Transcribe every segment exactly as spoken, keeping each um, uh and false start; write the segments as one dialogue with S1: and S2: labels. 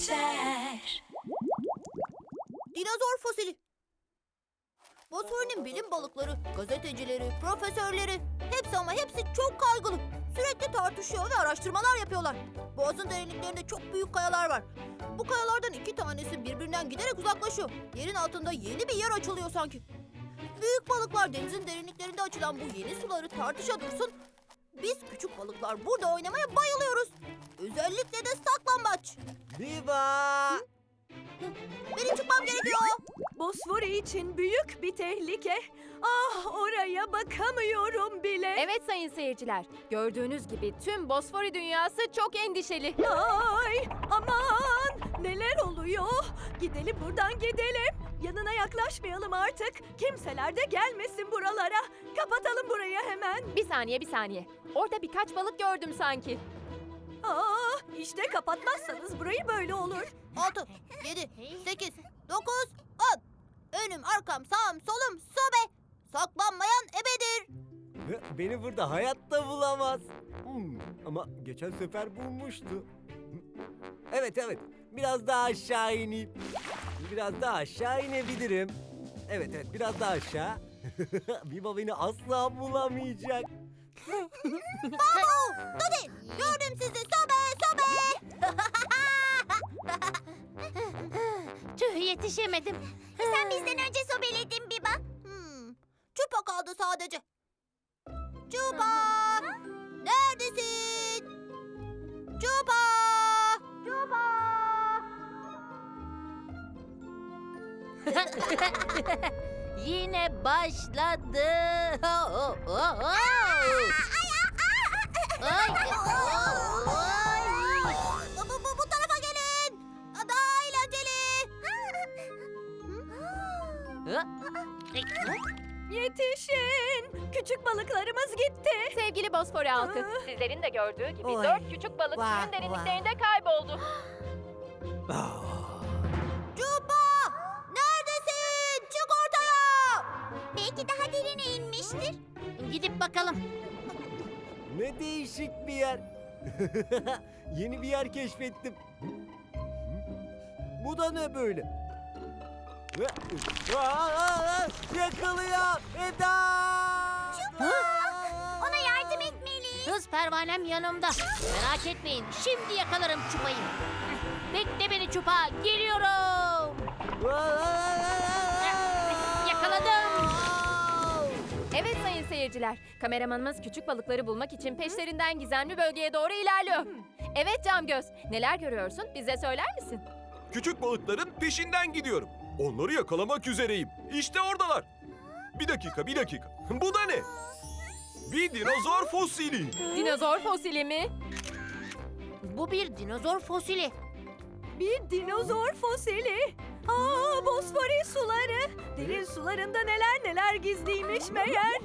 S1: geçer.
S2: Dinozor fosili. Bosfor'un bilim balıkları, gazetecileri, profesörleri hepsi ama hepsi çok kaygılı. Sürekli tartışıyor ve araştırmalar yapıyorlar. Boğazın derinliklerinde çok büyük kayalar var. Bu kayalardan iki tanesi birbirinden giderek uzaklaşıyor. Yerin altında yeni bir yer açılıyor sanki. Büyük balıklar denizin derinliklerinde açılan bu yeni suları tartışa dursun. Biz küçük balıklar burada oynamaya bayılıyoruz. Özellikle de saklambaç.
S3: Viva!
S2: Benim çıkmam gerekiyor.
S4: Bosfori için büyük bir tehlike. Ah, oraya bakamıyorum bile.
S5: Evet sayın seyirciler, gördüğünüz gibi tüm Bosfori dünyası çok endişeli.
S4: Ay, aman, neler oluyor? Gidelim buradan, gidelim. Yanına yaklaşmayalım artık. Kimseler de gelmesin buralara. Kapatalım burayı hemen.
S5: Bir saniye, bir saniye. Orada birkaç balık gördüm sanki.
S4: Ah, işte kapatmazsanız burayı böyle olur.
S2: Altı, yedi, sekiz, dokuz, on. Önüm, arkam, sağım, solum, sobe. Saklanmayan ebedir.
S3: Beni burada hayatta bulamaz. Hmm, ama geçen sefer bulmuştu. Evet evet, biraz daha aşağı ineyim. Biraz daha aşağı inebilirim. Evet evet, biraz daha aşağı. Viva beni asla bulamayacak.
S2: Babu, Dodi, gördüm sizi. Sobe, sobe.
S6: Tüh, yetişemedim. Sen bizden önce sobeledin Biba.
S2: Hmm, Çupa kaldı sadece. Çupa, neredesin? Çupa, Çupa.
S6: Yine başladı. Oh, oh, oh. Ay, ay.
S2: Bu, bu, bu tarafa gelin. Daha eğlenceli.
S4: Yetişin. Küçük balıklarımız gitti.
S5: Sevgili Bosfori halkı, sizlerin de gördüğü gibi
S6: Oy.
S5: dört küçük balık
S6: Vah,
S5: suyun derinliklerinde kayboldu.
S2: Çupa, neredesin? Çık ortaya.
S6: Belki daha derine inmiştir. Gidip bakalım.
S3: Ne değişik bir yer. Yeni bir yer keşfettim. Bu da ne böyle? Aa, yakalıyor Eda!
S6: Ona yardım etmeliyiz. Hız pervanem yanımda. Merak etmeyin. Şimdi yakalarım Çupa'yı. Bekle beni Çupa. Geliyorum. Yakaladım.
S5: Evet sayın seyirciler, kameramanımız küçük balıkları bulmak için peşlerinden gizemli bölgeye doğru ilerliyor. Evet Camgöz, neler görüyorsun? Bize söyler misin?
S7: Küçük balıkların peşinden gidiyorum. Onları yakalamak üzereyim. İşte oradalar. Bir dakika, bir dakika. Bu da ne? Bir dinozor fosili.
S5: Dinozor fosili mi?
S6: Bu bir dinozor fosili.
S4: Bir dinozor fosili. Aa, Bosfori suları. Derin sularında neler neler gizliymiş meğer.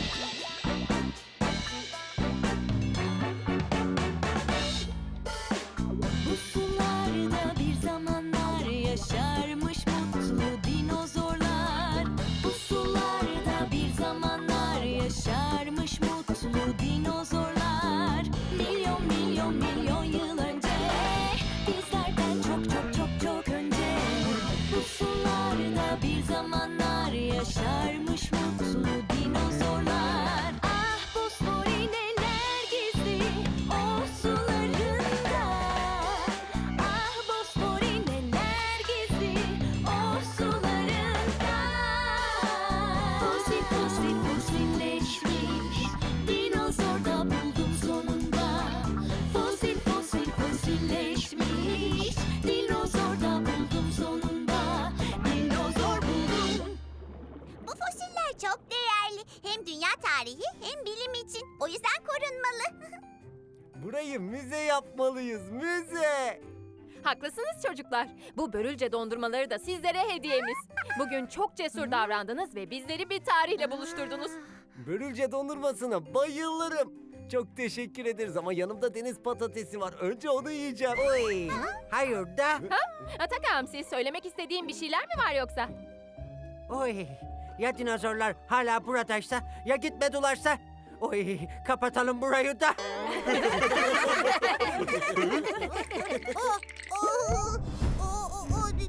S1: Bu sularda bir zamanlar yaşarmış mutlu dinozorlar. Bu sularda bir zamanlar yaşarmış mutlu dinozorlar. Milyon milyon milyon yıl önce, bizlerden çok çok çok çok önce. Bu sularda bir zamanlar yaşarmış mutlu dinozorlar. Ah, Bosfori neler gizli o sularında. Ah, Bosfori neler gizli o sularında. Fosil fosil fosilleşmiş dinozor da buldum sonunda. Fosil fosil fosilleşmiş dinozor da buldum sonunda. Dinozor buldum.
S6: Bu fosiller çok değerli. Hem dünya tarihi hem bilim için. O yüzden korunmalı.
S3: Burayı müze yapmalıyız, müze!
S5: Haklısınız çocuklar. Bu börülce dondurmaları da sizlere hediyemiz. Bugün çok cesur davrandınız ve bizleri bir tarihle buluşturdunuz.
S3: Börülce dondurmasına bayılırım. Çok teşekkür ederiz ama yanımda deniz patatesi var. Önce onu yiyeceğim. Oy. Hayır da.
S5: Atak Hamsi, söylemek istediğin bir şeyler mi var yoksa?
S8: Oy, ya dinozorlar hala buradaysa, ya gitmedilerse? Oy, kapatalım burayı da.
S2: Oh, oh.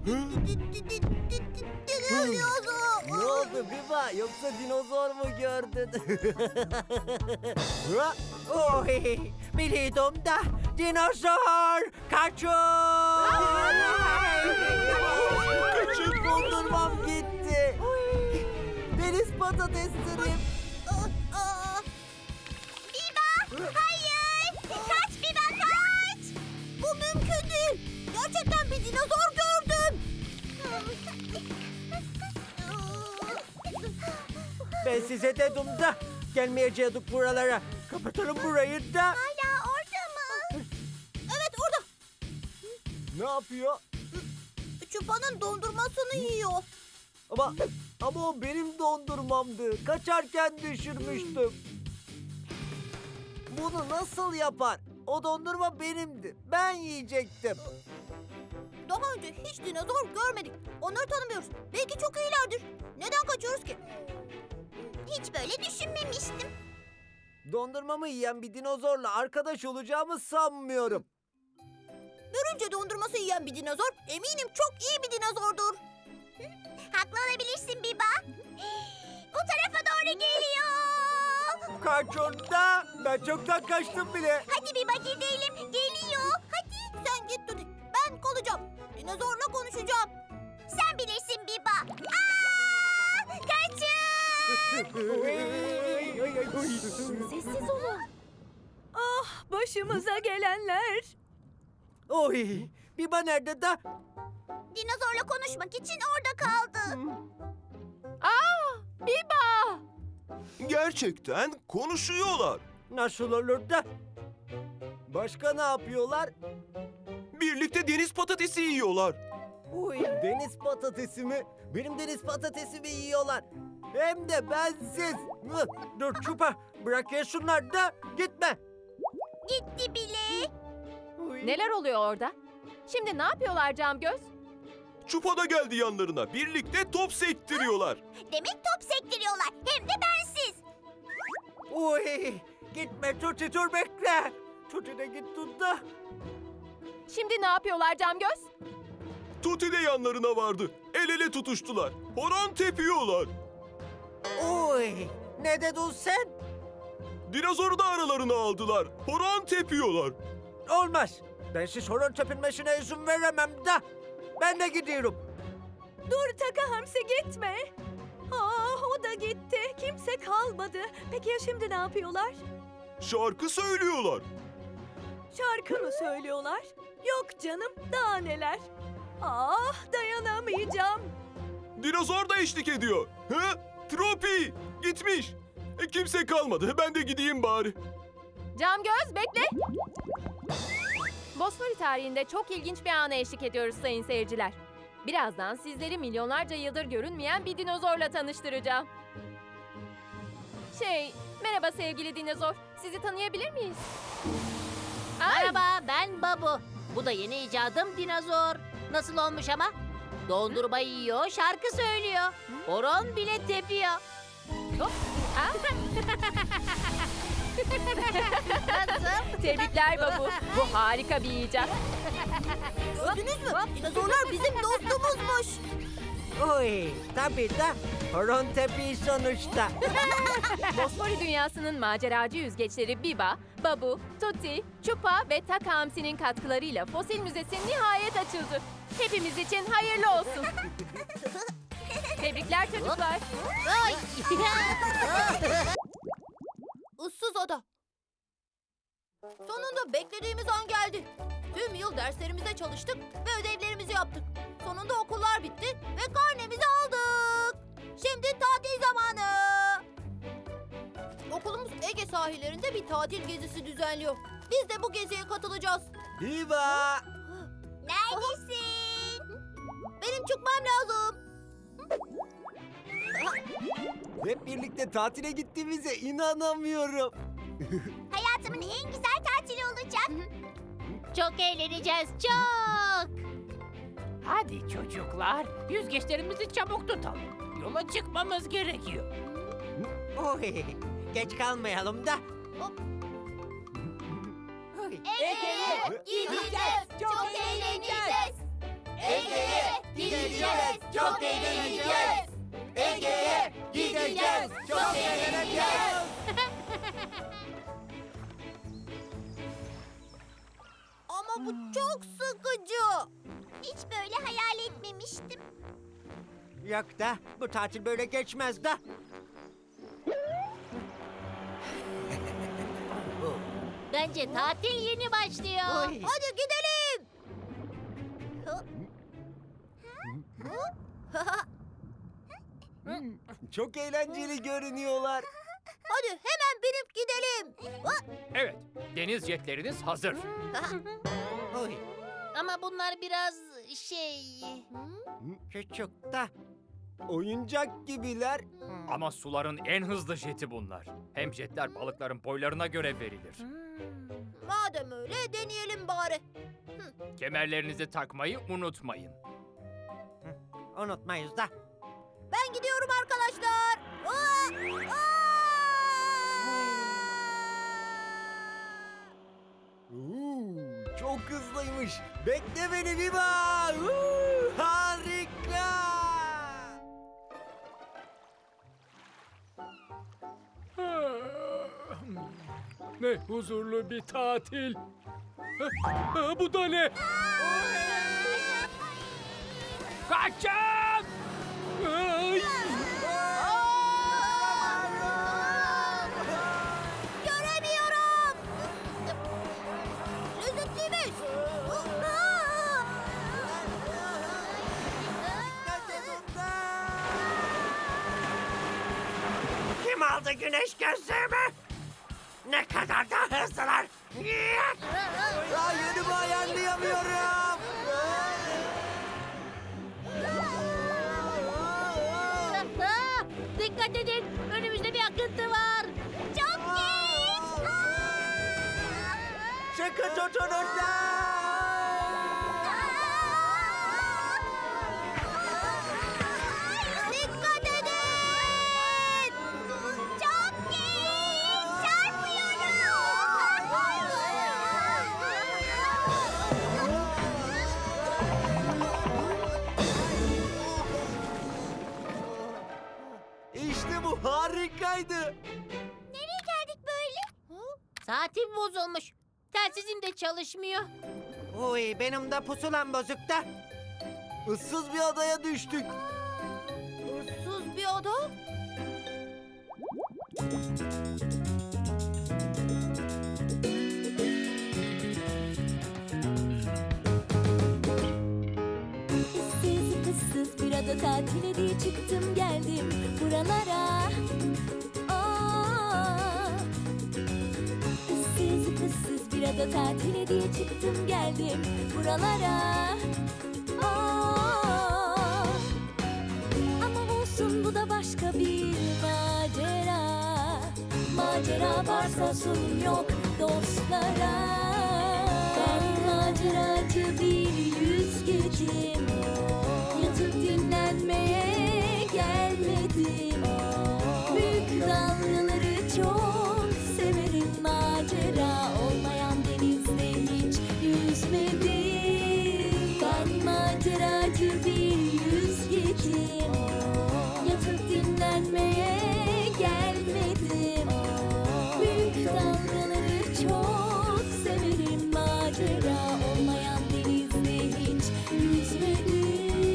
S3: Ne oldu Biba? Yoksa dinozor mu gördün? Ha?
S8: Oy, biliyordum da dinozor kaçın!
S3: Küçük dondurmam gitti. Deniz patateslerim.
S2: Biba! Hayır! Kaç Biba kaç! Bu mümkün değil. Gerçekten bir dinozor gördüm.
S8: Ben size dedim da gelmeyecektik buralara. Kapatalım burayı da.
S2: Hala orada mı? Evet orada.
S3: Ne yapıyor?
S2: Çupa'nın dondurmasını yiyor.
S3: Ama ama o benim dondurmamdı. Kaçarken düşürmüştüm. Bunu nasıl yapar? O dondurma benimdi. Ben yiyecektim.
S2: Daha önce hiç dinozor görmedik. Onları tanımıyoruz. Belki çok iyilerdir. Neden kaçıyoruz ki? Hiç böyle düşünmemiştim.
S3: Dondurmamı yiyen bir dinozorla arkadaş olacağımı sanmıyorum.
S2: Görünce dondurması yiyen bir dinozor eminim çok iyi bir dinozordur. Haklı olabilirsin Biba. Bu tarafa doğru geliyor.
S8: Kaçın da. Ben çoktan kaçtım bile.
S2: Hadi Biba gidelim. Geliyor. Hadi. Sen git Tuti. Ben kalacağım. Dinozorla konuşacağım. Sen bilirsin Biba. Aa! Kaçın!
S5: Sessiz olun.
S4: Ah, başımıza gelenler.
S8: Oy, Biba nerede da?
S2: Dinozorla konuşmak için orada kaldı.
S5: Aa, Biba.
S7: Gerçekten konuşuyorlar.
S8: Nasıl olur da?
S3: Başka ne yapıyorlar?
S7: Birlikte deniz patatesi yiyorlar.
S3: Uy, deniz patatesi mi? Benim deniz patatesimi yiyorlar. Hem de bensiz. Mıh!
S8: Dur Çupa, bırak yesinler da gitme.
S2: Gitti bile.
S8: Uy.
S5: Neler oluyor orada? Şimdi ne yapıyorlar Camgöz?
S7: Çupa da geldi yanlarına. Birlikte top sektiriyorlar.
S2: Demek top sektiriyorlar. Hem de bensiz.
S8: Uy, gitme Tuti, dur bekle. Tuti de gitti da.
S5: Şimdi ne yapıyorlar Camgöz?
S7: Tuti de yanlarına vardı. El ele tutuştular. Horon tepiyorlar.
S8: Uy, ne dedin sen?
S7: Dinozoru da aralarına aldılar. Horon tepiyorlar.
S8: Olmaz. Ben siz horon tepinmesine izin veremem da. Ben de gidiyorum.
S4: Dur Taka Hamsi gitme. Ah, o da gitti. Kimse kalmadı. Peki ya şimdi ne yapıyorlar?
S7: Şarkı söylüyorlar.
S4: Şarkı mı söylüyorlar? Yok canım, daha neler. Ah, dayanamayacağım.
S7: Dinozor da eşlik ediyor. He? Tropi gitmiş. E, kimse kalmadı. Ben de gideyim bari.
S5: Camgöz bekle. Bosfori tarihinde çok ilginç bir ana eşlik ediyoruz sayın seyirciler. Birazdan sizleri milyonlarca yıldır görünmeyen bir dinozorla tanıştıracağım. Şey, merhaba sevgili dinozor. Sizi tanıyabilir miyiz? Ay,
S6: Merhaba, ben Babu. Bu da yeni icadım dinozor. Nasıl olmuş ama? Dondurma yiyor, şarkı söylüyor. Horon bile tepiyor. Nasıl?
S5: Tebrikler Babu. Bu harika bir icat.
S2: Gördünüz mü? Dinozorlar bizim dostumuzmuş.
S8: Uy, tabii da horon tepi sonuçta.
S5: Bosfori dünyasının maceracı yüzgeçleri Biba, Babu, Tuti, Chupa ve Taka Hamsi'nin katkılarıyla Fosil Müzesi nihayet açıldı. Hepimiz için hayırlı olsun. Tebrikler çocuklar.
S6: Ay.
S2: Issız ada. Sonunda beklediğimiz an geldi. Tüm yıl derslerimize çalıştık ve ödevlerimizi yaptık. Sonunda okullar bitti ve karnemizi aldık. Şimdi tatil zamanı. Okulumuz Ege sahillerinde bir tatil gezisi düzenliyor. Biz de bu geziye katılacağız.
S3: Biba!
S2: Neredesin? Benim çıkmam lazım.
S3: Hep birlikte tatile gittiğimize inanamıyorum.
S2: Hayatımın en güzel tatili olacak.
S6: Çok eğleneceğiz, çok.
S9: Hadi çocuklar, yüzgeçlerimizi çabuk tutalım. Yola çıkmamız gerekiyor.
S8: Uy, geç kalmayalım da. Uy.
S2: Ege'ye gideceğiz. Çok eğleneceğiz. Ege'ye gideceğiz, çok eğleneceğiz. Ege'ye gideceğiz, çok eğleneceğiz. Ama bu çok sıkıcı. Hiç böyle hayal etmemiştim.
S8: Yok da bu tatil böyle geçmez de.
S6: Bence tatil yeni başlıyor.
S8: Oy.
S2: Hadi gidelim.
S3: Çok eğlenceli görünüyorlar.
S2: Hadi hemen binip gidelim.
S9: Evet, deniz jetleriniz hazır.
S8: Oy.
S6: Ama bunlar biraz şey...
S8: Küçük da.
S3: Oyuncak gibiler.
S9: Ama suların en hızlı jeti bunlar. Hem jetler balıkların boylarına göre verilir.
S2: Madem öyle deneyelim bari.
S9: Kemerlerinizi takmayı unutmayın.
S8: Unutmayız da.
S2: Ben gidiyorum arkadaşlar. Aa! Aa!
S3: Oo, çok hızlıymış. Bekle beni Biba. Oo, harika.
S10: Ne huzurlu bir tatil. Ha, ha, bu da ne?
S9: Kaçın!
S10: Ay!
S2: Göremiyorum. Lezzetliymiş.
S8: Kim aldı güneş gözlüğümü? Ne kadar da hızlılar.
S3: Ya yönümü ayarlayamıyorum.
S6: Aa, dikkat edin, önümüzde bir akıntı var. Çok geç.
S3: Sıkı tutunun da.
S2: Dikkat edin. Çok geç.
S3: İşte bu harikaydı.
S2: Nereye geldik böyle?
S6: Saatim bozulmuş. Telsizim de çalışmıyor.
S8: Oy benim de pusulam bozuk da.
S3: Issız bir adaya düştük.
S2: Issız bir ada.
S1: Issız kızsız bir ada tatile diye çıktım geldim buralara. Aa, ıssız kızsız bir ada tatile diye çıktım geldim buralara. Aa, ama olsun bu da başka bir macera. Macera varsa sorun yok dostlara. Ben maceracı bir yüzgecim. Yatıp dinlenmeye gelmedim. Büyük dalgaları çok severim. Macera olmayan denizde hiç yüzmedim. Ben maceracı bir yüzgecim. Yatıp dinlenmeye gelmedim. Büyük dalgaları çok severim. Macera olmayan denizde hiç yüzmedim.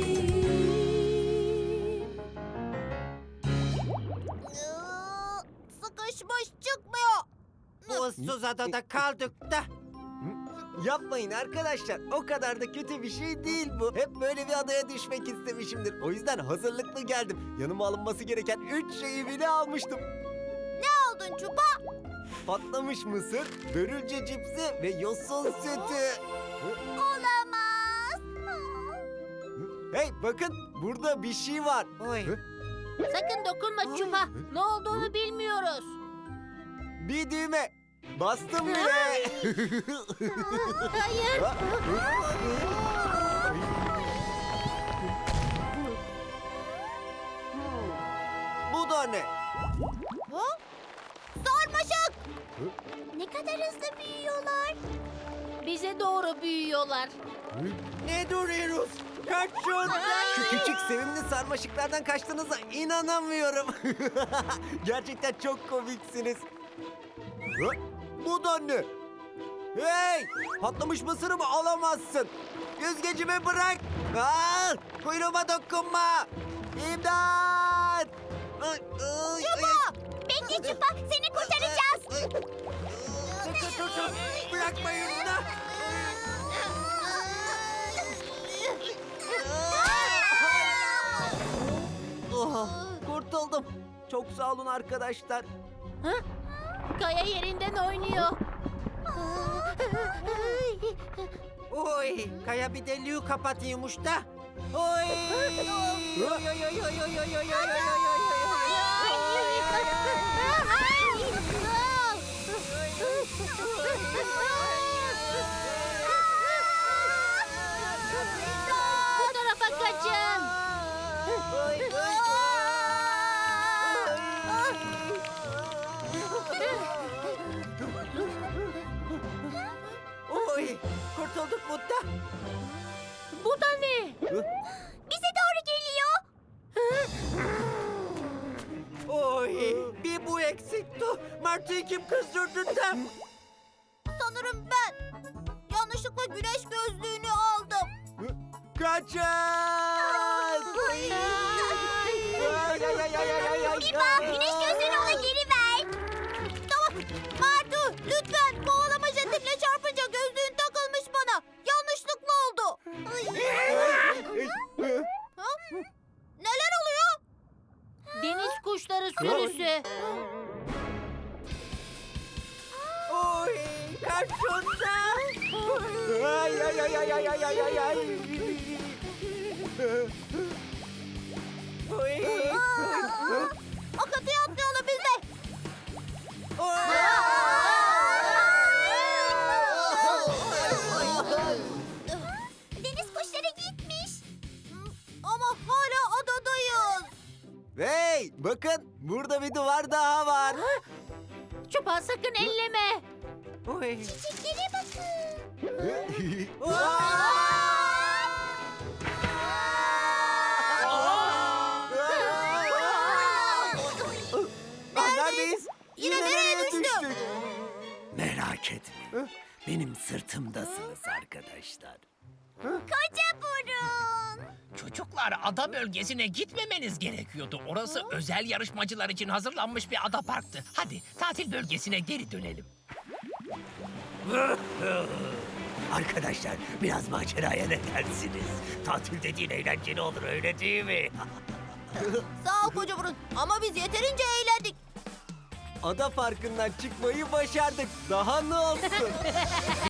S2: Iıı, Sıkışmış çıkmıyor.
S8: Bu ıssız adada kaldık da.
S3: Yapmayın arkadaşlar. O kadar da kötü bir şey değil bu. Hep böyle bir adaya düşmek istemişimdir. O yüzden hazırlıklı geldim. Yanıma alınması gereken üç şeyi bile almıştım.
S2: Aldın çupa.
S3: Patlamış mısır, börülce cipsi ve yosun sütü.
S2: Olamaz.
S3: Hey bakın burada bir şey var.
S8: Oy.
S6: Sakın dokunma Çupa. Ne olduğunu bilmiyoruz.
S3: Bir düğme. Bastım bile.
S6: Hayır.
S3: Bu da ne?
S2: Ha? Sarmaşık. Ne kadar hızlı büyüyorlar.
S6: Bize doğru büyüyorlar.
S8: Ne duruyoruz? Kaçın!
S3: Şu küçük sevimli sarmaşıklardan kaçtığınıza inanamıyorum. Gerçekten çok komiksiniz. Hı? Bu da ne? Hey! Patlamış mısırımı alamazsın. Yüzgecimi bırak. Aa, kuyruğuma dokunma. İmdat! Çupa!
S2: Bekle Çupa, seni kurtaracağız.
S8: Tutun tutun! Bırakmayın da!
S3: Oh, kurtuldum. Çok sağ olun arkadaşlar.
S6: Kaya yerinden oynuyor.
S8: Oy! Kaya bir deliği kapatıyormuş da. Oy! Oy oy oy oy oy oy oy oy
S6: Bu tarafa kaçın.
S8: Oy! Kurtulduk Mutta.
S6: Bu da ne?
S2: Bize doğru geliyor.
S8: Oy! Bir bu eksikti. Martı'yı kim kızdırdı da?
S2: Sanırım ben yanlışlıkla güneş gözlüğünü aldım.
S3: Kaçın!
S8: Ay, ay, ay, ay, ay, ay, ay.
S2: Biba, güneş gözlüğünü ona geri ver. Tamam. Martu, lütfen kovalama jetimle çarpınca gözlüğün takılmış bana. Yanlışlıkla oldu. Ha? Neler oluyor?
S6: Deniz kuşları sürüsü.
S8: Oy! Kaçın da! Ay ay ay ay ay ay ay ay ay! Oy!
S2: Akıntıya atlayalım biz de. Deniz kuşları gitmiş. Ama hala adadayız.
S3: Hey! Bakın burada bir duvar daha var.
S6: Çupa sakın elleme.
S8: Oy!
S2: Çiçeklere bakın.
S3: Neredeyiz?
S2: Yine nereye düştük?
S3: Merak etme. Benim sırtımdasınız arkadaşlar.
S2: Koca burun.
S11: Çocuklar, ada bölgesine gitmemeniz gerekiyordu. Orası özel yarışmacılar için hazırlanmış bir ada parktı. Hadi tatil bölgesine geri dönelim.
S3: Arkadaşlar biraz maceraya ne dersiniz? Tatil dediğin eğlenceli olur öyle değil mi?
S2: Sağ ol koca burun. Ama biz yeterince eğlendik.
S3: Ada parkından çıkmayı başardık. Daha ne olsun?